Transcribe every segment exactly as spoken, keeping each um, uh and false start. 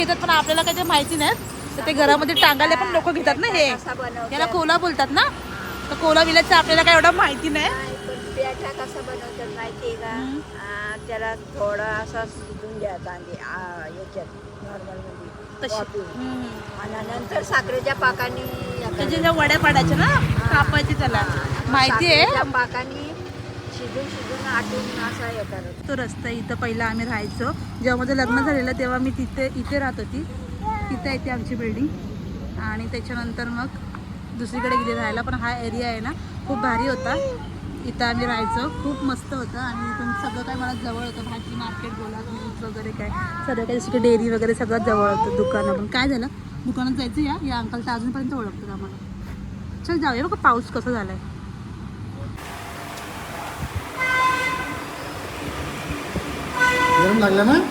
घेतात पण आपल्याला काही ते माहिती नाही. तर ते घरामध्ये टांगायला पण लोक घेतात ना. हे याला कोला बोलतात ना. तर कोला विलाचं आपल्याला काय एवढं माहिती नाही. पेठा कसा बनवतात माहिती का? त्याला थोडा असा शिजून घ्यायचा याच्यात नॉर्मल मध्ये आणि नंतर साखरेच्या पाकाने त्याच्या ज्या वड्या पाडायच्या ना कापायची त्याला माहिती आहे. पाकाने शिजून शिजून आटून असा हे करत. तो रस्ता इथं पहिला आम्ही राहायचो. जेव्हा माझं लग्न झालेलं तेव्हा मी तिथे इथे राहत होती. तिथे येते आमची बिल्डिंग आणि त्याच्यानंतर मग दुसरीकडे गेली राहायला. पण हा एरिया आहे ना खूप भारी होता. इथं आम्ही राहायचो. खूप मस्त होतं आणि इथून सगळं काय मला जवळ होतं. भाजी मार्केट बोला दूध वगैरे काय सगळं काही दुसरी डेअरी वगैरे सगळं जवळ होतं. दुकानं पण काय झालं दुकानात जायचं या या अंकल तर अजूनपर्यंत ओळखतात आम्हाला. चल जाऊया बघा पाऊस कसा झालाय. गरम लागला ना.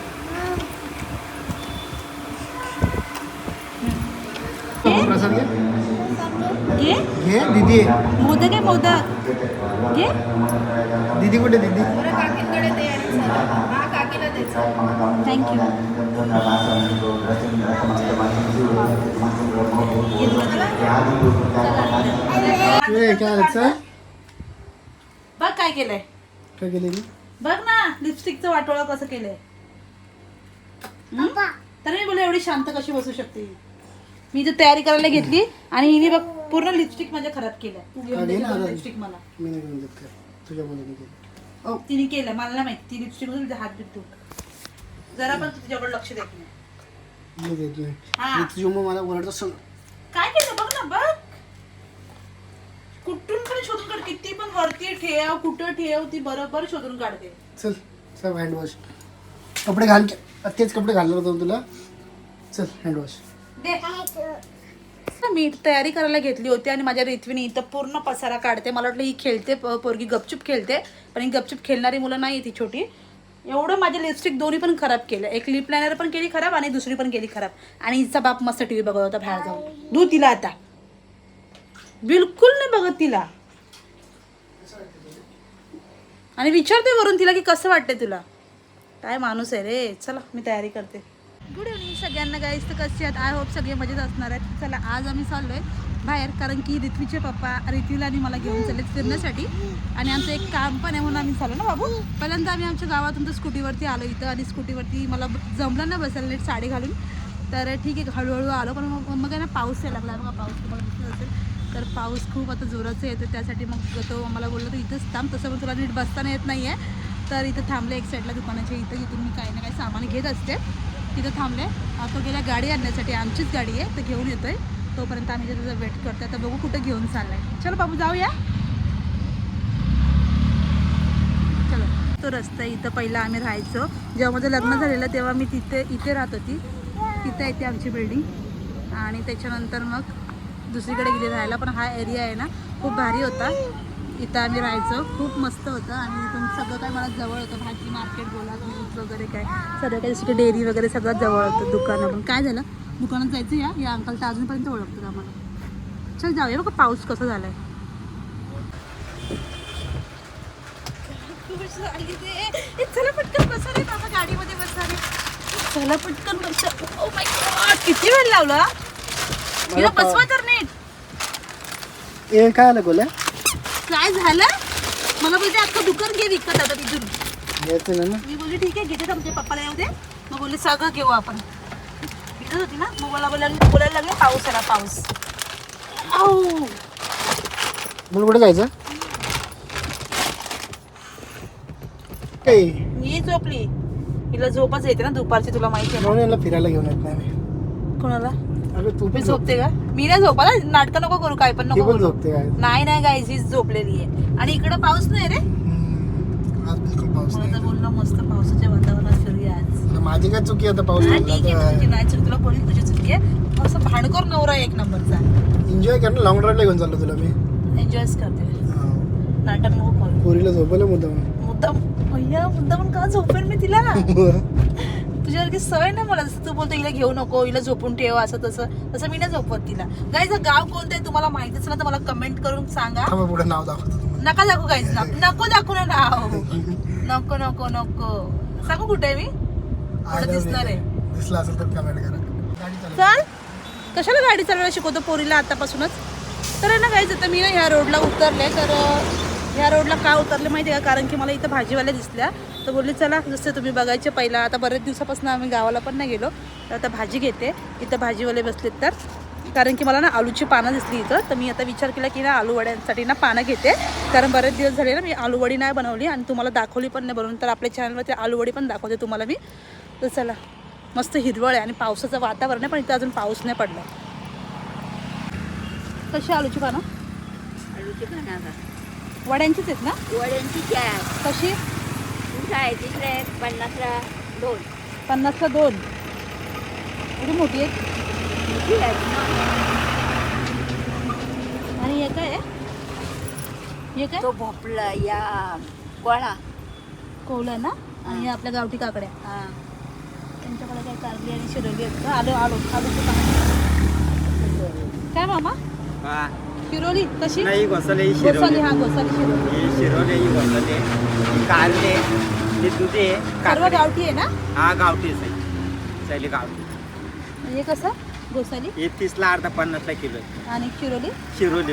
प्रसाद घे घे घे दीदी. मोदक आहे मोदक घे. दीदी कुठे दीदी? थँक्यू. काय लागतं? बघ काय केलंय. काय केलं? बघ ना लिपस्टिकचं वाटोळं कसं केलंय. तर मी बोलले एवढी शांत कशी बसू शकते. मी तर तयारी करायला घेतली आणि हिने बघ पूर्ण लिपस्टिक म्हणजे खराब केलं. तू घेऊन दे लिपस्टिक मला. मी नाही घेऊन देत काय तुझ्या मुलीने केलं. ओ तिने केलं मला नाही माहिती. ती लिपस्टिक मध्ये हात बीत तू जरा पण तू तिच्याकडे लक्ष देत नाही. मी देत नाही. हा. तुझी मग मला ओरडत असं. काय केलं बघ ना बघ. कुठून पण शोधून काढ. किती पण वरती ठेव कुठं ठेव ती बरोबर शोधून काढते. चल चल हँड वॉश. कपडे घाल. तेच कपडे घालणार होतो तुला. चल हँड वॉश दे. मी तयारी करायला घेतली होती आणि माझ्या रिथवीने इथं पूर्ण पसारा काढते. मला वाटलं ही खेळते पोरगी गपचूप खेळते पण ही गपचूप खेळणारी मुलं नाही ती छोटी. एवढं माझे लिपस्टिक दोन्ही पण खराब केलं. एक लिप लायनर पण केली खराब आणि दुसरी पण केली खराब. आणि हिचा बाप मस्त टीव्ही बघत होता बाहेर जाऊन. धू तिला आता. बिलकुल नाही बघत तिला आणि विचारते वरून तिला की कसं वाटतंय तुला. काय माणूस आहे रे. चला मी तयारी करते. गुड इव्हनिंग सगळ्यांना गाईस. तर कसे आहेत आय होप सगळे मजेत असणार आहेत. चला आज आम्ही चाललोय बाहेर कारण की रिथवीचे पप्पा रिथवीला आणि मला घेऊन चाललेत फिरण्यासाठी आणि आमचं एक काम पण आहे म्हणून आम्ही चाललो ना बाबू. पहिल्यांदा आम्ही आमच्या गावातून तर स्कूटीवरती आलो इथं आणि स्कूटीवरती मला जमलं ना बसायला नीट साडी घालून. तर ठीक आहे हळूहळू आलो पण मग मग आहे ना पाऊस यायला लागला. बघा पाऊस तुम्हाला दिसत असेल तर पाऊस खूप आता जोराचं येतं. त्यासाठी मग तो मला बोललो तर इथंच थांब. तसं पण तुला नीट बसताना येत नाही आहे तर इथं थांबले एक साईडला दुकानाच्या इथं. इथून मी काही ना काही सामान घेत असते. तिथं थांबले. तो गेल्या गाडी आणण्यासाठी आमचीच गाडी आहे तर घेऊन येतोय. तोपर्यंत आम्ही त्याचा वेट करतोय. आता बघू कुठं घेऊन चाललाय. चलो बाबू जाऊया. चलो तो रस्ता इथं पहिला आम्ही राहायचो. जेव्हा माझं लग्न झालेलं तेव्हा मी तिथे इथे राहत होती. तिथे येते आमची बिल्डिंग आणि त्याच्यानंतर मग दुसरीकडे गेली राहायला. पण हा एरिया आहे ना खूप भारी होता. इथं आम्ही राहायचो. खूप मस्त होतं आणि इथून सगळं काय मला जवळ होतं. भाजी मार्केट बोला दूध वगैरे काय सगळं काही दुसरी डेअरी वगैरे सगळं जवळ होतं. दुकानं पण काय झालं दुकानात जायचं या या अंकल तर अजूनपर्यंत ओळखतात आम्हाला. चल जाऊया बघा पाऊस कसा झालाय. चला पटकन बसा रे बाबा गाडीमध्ये बसा रे. चला पटकन बसा. ओ माय गॉड किती वेळ लावला तिला बसवा तर नीट. ए काय आलं गोल्या? काय झालं मला बोलते अख्खं दुकान घे विकत आता तिथून. घ्यायचं ना. मी बोलली ठीक आहे घेते आमच्या पप्पाला येऊ दे. मग बोलले सगळं घेऊ आपण. विकत होती ना मग मला बोलायला बोलायला लागले पाऊस आला पाऊस. आऊ मला कुठे जायचं? मी झोपली. हिला झोपच येते ना दुपारची तुला माहिती आहे म्हणून याला फिरायला घेऊन येत नाही मी. कोणाला? अगं तू मी पण झोपते का? मी नाही झोपाला. नाटकं नको करू काय पण ती नको पण करू. झोपते काय? नाही नाही गाईज हीच झोपलेली आहे आणि इकडं पाऊस नाही रे. आज बिलकुल पाऊस मला तर नाही. बोलणं मस्त पावसाच्या वातावरणात फिरूया आज. माझी काय चुकी आता पाऊस हा, पडला ठीक आहे तर. तुझी नाही चुकी. तुला बोलीन तुझी चुकी आहे. असं भांडकर नवरा आहे एक नंबरचा. एन्जॉय कर ना. लॉंग ड्राईव्हला घेऊन चाललो तुला मी. एन्जॉयच करते. नाटक नको करू. पोरीला झोपवलं मुद्दाम. मुद्दाम भैया मुद्दाम पण का झोपेल मी तिला. तुझ्यासारखी सवय नाही मला. जसं तू बोलतो हिला घेऊ नको हिला झोपून ठेव असं तसं तसं मी नाही झोपवत तिला. गाईज गाव कोणतं आहे तुम्हाला माहितीच ना तर मला कमेंट करून सांगा. पुढे नाव दाखवतो. नका दाखवू गाईज ना. नको दाखवू ना नाव. नको नको नको सांगू कुठे आहे मी. कुठं दिसणार आहे दिसला असेल तर कमेंट करा. गाडी चालव. चल कशाला गाडी चालवायला शिकवतो पोरीला आतापासूनच. तर आहे ना काहीच आता मी ना ह्या रोडला उतरले. तर ह्या रोडला का उतरले माहिती आहे का, कारण की मला इथं भाजीवाल्या दिसल्या. तर बोलली चला जसं तुम्ही बघायचे पहिला, आता बरेच दिवसापासून आम्ही गावाला पण नाही गेलो, तर आता भाजी घेते. इथं भाजीवाले बसलेत तर, कारण की मला ना आलूची पानं दिसली इथं. तर मी आता विचार केला की ना आलू वड्यांसाठी ना पानं घेते, कारण बरेच दिवस झाले ना मी आलू वडी नाही बनवली आणि तुम्हाला दाखवली पण नाही बनवून. तर आपल्या चॅनलवरती आलू वडी पण दाखवते तुम्हाला मी. तर चला, मस्त हिरवळ आहे आणि पावसाचं वातावरण आहे, पण इथं अजून पाऊस नाही पडला. कशी आलूची पानं? आलूची पानं वड्यांचीच आहेत ना? वड्यांची चार. कशी? कुठं आहे तिकडे पन्नासला दोन. पन्नासला दोन. एवढी मोठी आहे. मोठी आहे ना. आणि हे काय आहे? हे काय? तो भोपळा या कोळा. कोवलं ना. आणि हे आपल्या गावठी काकड्या. हा. त्यांच्याकडे काय कारली आणि शिरोली आहेत का? आलो आलो आलूची पानं. काय मामा? हा शिरोली कशी? नाही घोसाले ही गोसाली. शिरोली हा गोसाली शिरोली. ही शिरोली ही घोसाले ही कारले ही दुधे सर्व काकडे. गावठी आहे ना? हा गावठीच आहे शैली गावठी. हे कसं गोसाली? ही तीसला अर्धा पन्नासला किलो आहे. आणि शिरोली? शिरोली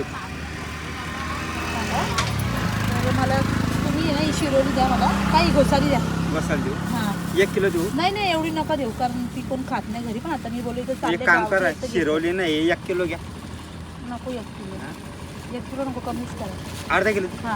तर मला तुम्ही आहे ना ही शिरोली द्या मला. काही गोसाली द्या. घोसाल देऊ हां. एक किलो देऊ. नाही नाही एवढी नका देऊ, कारण ती कोण खात नाही घरी. पण आता मी बोलले तर एक चालले काम गावठी करा आहेत तर घे. शिरोली नाही एक किलो घ्या. नको एक किलो. एक किलो नको, कमीच करा. अर्धा किलो हां.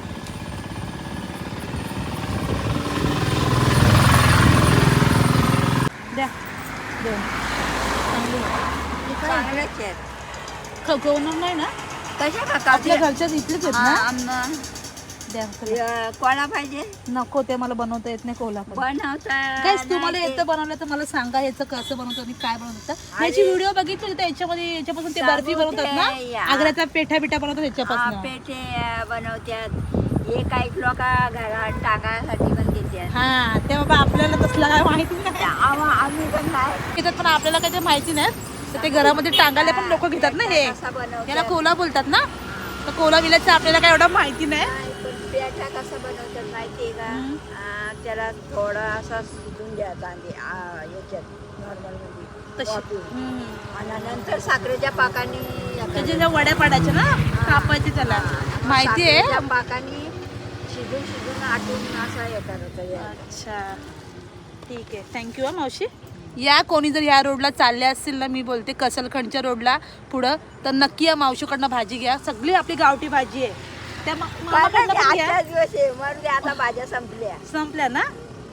द्या दोन. चांगली आहे. हे काय? चांगल्याच आहेत. खवखवणार नाही ना? कशा का आपल्या घरच्याच इथलेच आहेत ना? आम्हाला द्या चला. कोळा पाहिजे नको, ते मला बनवता येत नाही कोल्हापूर. बनवता गाईस तुम्हाला नाही येतं बनवलं तर मला सांगा याचं कसं बनवतं आणि काय बनवतं. याची व्हिडिओ बघितली तर याच्यामध्ये याच्यापासून ते बर्फी साबुत बनवतात आहे, ना, या. आग्र्याचा पेठा बिठा बनवतात ते. याच्यापासून. पेठे बनवतात. हे काही लोक घरात टाकायसाठी पण देतात. हा ते बाबा आपल्याला तसलं काय माहिती नाही आम्हा- आम्ही पण नाही घेतात, पण आपल्याला काही ते माहिती नाही. तर ते घरामध्ये टांगायला पण लोक घेतात ना हे. कसा बनवतात. याला कोला बोलतात ना. तर कोला विलाचं आपल्याला काय एवढं माहिती नाही. नाही, पण पेठा कसा बनवतात माहितीये का? आ, त्याला थोडा असा शिजून द्या कांदे आ, याच्यात नॉर्मल मध्ये तशी. वाफवून. हम्म. आणि नंतर साखरेच्या पाकाने त्याच्या ज्या वड्या पाडायच्या ना, कापायचे त्याला माहिती आहे. साखरेच्या पाकाने शिजून शिजून आटून असा हे करत अच्छा ठीक आहे. थँक्यू हा मावशी. या कोणी जर या रोडला चालले असतील ना, मी बोलते कसलखंडच्या रोडला पुढं, तर नक्की या मावशीकडनं भाजी घ्या. सगळी आपली गावठी भाजी आहे. त्या मा- मामाकडनं पण घ्या. आजचा दिवस आहे मग आता भाज्या संपल्या. संपल्या ना.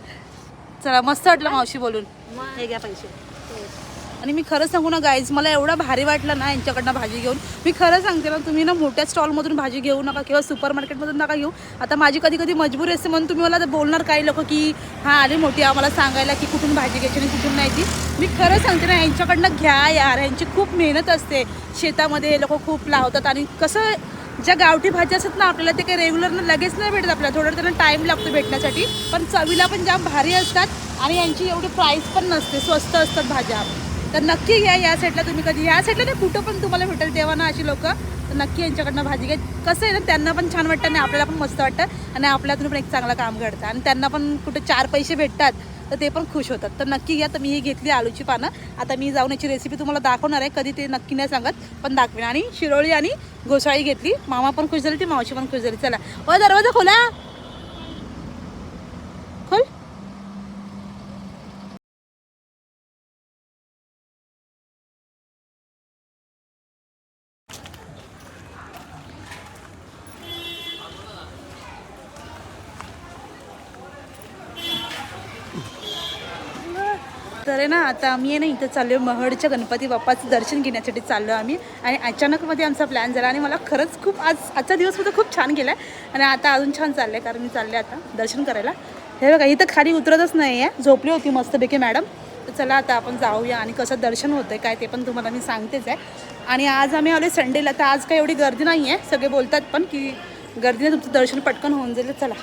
चला मस्त वाटलं मावशी बोलून. मग. हे घ्या पैसे. आणि मी खरं सांगू ना गाईज, मला एवढं भारी वाटलं ना यांच्याकडनं भाजी घेऊन. मी खरं सांगते ना, तुम्ही ना मोठ्या स्टॉलमधून भाजी घेऊ नका किंवा सुपर मार्केटमधून नका घेऊ. आता माझी कधी कधी मजबुरी असते, म्हणून तुम्ही मला आता बोलणार काही लोक की हां आली मोठी आम्हाला सांगायला की कुठून भाजी घ्यायची आणि कुठून नाही ती. मी खरं सांगते ना, यांच्याकडनं घ्या यार. यांची खूप मेहनत असते. शेतामध्ये हे लोक खूप लावतात. आणि कसं ज्या गावठी भाज्या असतात ना, आपल्याला ते काही रेग्युलर लगेच नाही भेटत. आपल्याला थोडं त्यांना टाईम लागतो भेटण्यासाठी, पण चवीला पण जाम भारी असतात. आणि यांची एवढी प्राईस पण नसते, स्वस्त असतात भाज्या. तर नक्की घ्या या साईडला. तुम्ही कधी या साईडला नाही, कुठं पण तुम्हाला भेटेल तेव्हा ना अशी लोक, तर नक्की यांच्याकडनं भाजी घ्या. कसं आहे ना, त्यांना पण छान वाटतं आणि आपल्याला पण मस्त वाटतं आणि आपल्यातून पण एक चांगलं काम घडतं आणि त्यांना पण कुठे चार पैसे भेटतात तर ते पण खुश होतात. तर नक्की घ्या. तर मी ही घेतली आलूची पानं. आता मी जाऊन याची रेसिपी तुम्हाला दाखवणार आहे, कधी ते नक्की नाही सांगत पण दाखवेन. आणि शिरोळी आणि घोसाळी घेतली. मामा पण खुश झाली, ती मावशी पण खुश झाली. चला ओ दरवाजा खोला, खोल. तर आहे ना, आता आम्ही आहे ना इथं चाललो आहे महडच्या गणपती बाप्पाचं दर्शन घेण्यासाठी चाललो आम्ही. आणि अचानकमध्ये आमचा प्लॅन झाला आणि मला खरंच खूप आज आजचा दिवस सुद्धा खूप छान गेला आहे. आणि आता अजून छान चाललं आहे, कारण मी चालले आता दर्शन करायला. हे बघा इथं खाली उतरतच नाही आहे, झोपली होती मस्तपैकी मॅडम. तर चला आता आपण जाऊया आणि कसं दर्शन होतं आहे काय ते पण तुम्हाला मी सांगतेच आहे. आणि आज आम्ही आलो संडेला, तर आज काही एवढी गर्दी नाही आहे. सगळे बोलतात पण की गर्दीने तुमचं दर्शन पटकन होऊन जाईल. चला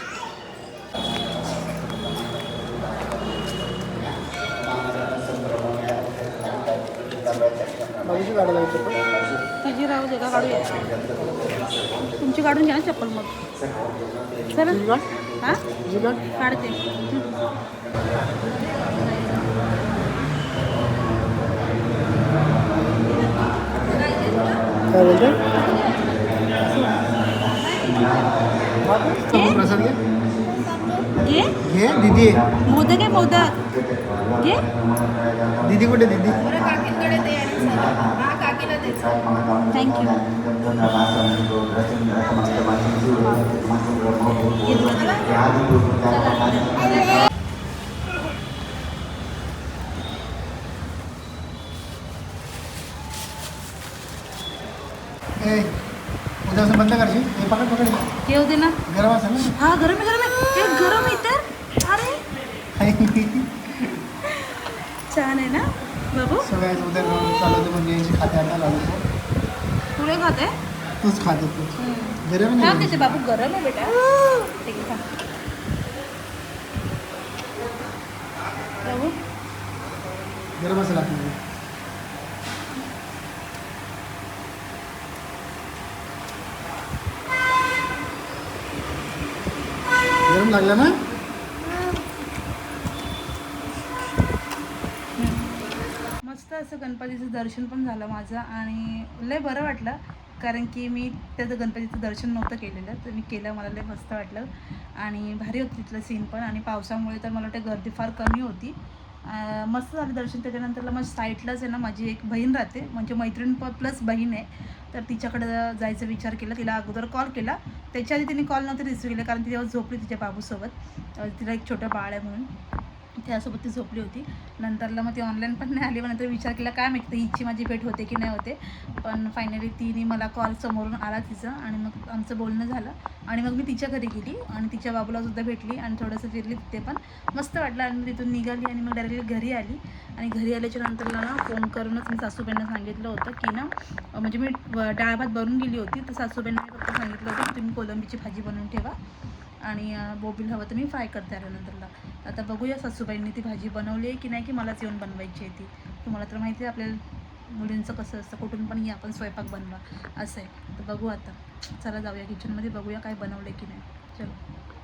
बाजूची गाडी लावू चप्पल. तुझी राहू दे का, काढूया. तुमची काढून घ्या ना चप्पल मग. चला हां तुझी गाडी काढते. काय बोलते प्रसाद घे घे घे दीदी आहे मोदक आहे मोदक घे. दीदी कुठे दीदी थँक्यू. ए उद्यापासून बंद करशील हे पकड पकड येऊ दे ना. गरम असेल ना हा गरम आहे गरम आहे. हे गरम आहे तर अरे छान आहे ना बाबू. सगळ्याच उद्या चालवते म्हणजे यांची खाते आता लावतो तुला खाते तूच खाते तू गरम हा नाही त्याचे बाबू गरम आहे बेटा. ठीक आहे खा. बाबू गरम असेल आपल्याला गरम लागला ना मस्त असं गणपतीचं दर्शन पण झालं माझं आणि लय बरं वाटलं कारण की मी त्याचं गणपतीचं दर्शन नव्हतं केलेलं तर मी केलं. मला लय मस्त वाटलं आणि भारी होतं तिथलं सीन पण आणि पावसामुळे तर मला वाटतं गर्दी फार कमी होती. मस्त झालं दर्शन. त्याच्यानंतरला मग साईडलाच आहे ना माझी एक बहीण राहते म्हणजे मैत्रीण प प्लस बहीण आहे तर तिच्याकडं जायचा विचार केला. तिला अगोदर कॉल केला त्याच्या आधी तिने कॉल नव्हते रिसिव्ह केले कारण ती तेव्हा झोपली तिच्या बाबूसोबत. तिला एक छोटं बाळ आहे म्हणून त्यासोबत ती झोपली होती. नंतरला मग ती ऑनलाईन पण नाही आली. मग नंतर विचार केला काय माहिती हिची माझी भेट होते की नाही होते पण फायनली तिने मला कॉल समोरून आला तिचा आणि मग आमचं बोलणं झालं आणि मग मी तिच्या घरी गेली आणि तिच्या बाबूलासुद्धा भेटली आणि थोडंसं फिरली तिथे पण मस्त वाटलं आणि तिथून निघाली आणि मग डायरेक्टली घरी आली. आणि घरी आल्याच्या नंतरला ना फोन करूनच मी सासूबाईंना सांगितलं होतं की ना म्हणजे मी डाळ भात बनवून गेली होती तर सासूबाईंना मी फक्त सांगितलं होतं की तुम्ही कोलंबीची भाजी बनवून ठेवा आणि बोबील हवं तर मी फ्राय करते आल्यानंतरला. आता बघूया सासूबाईंनी ती भाजी बनवली आहे की नाही की मलाच येऊन बनवायची आहे ती. तुम्हाला तर माहिती आहे आपल्याला मुलींचं कसं असतं कुठून पण ये आपण स्वयंपाक बनवा असं आहे. तर बघू आता चला जाऊया किचनमध्ये बघूया काय बनवलं की नाही. चलो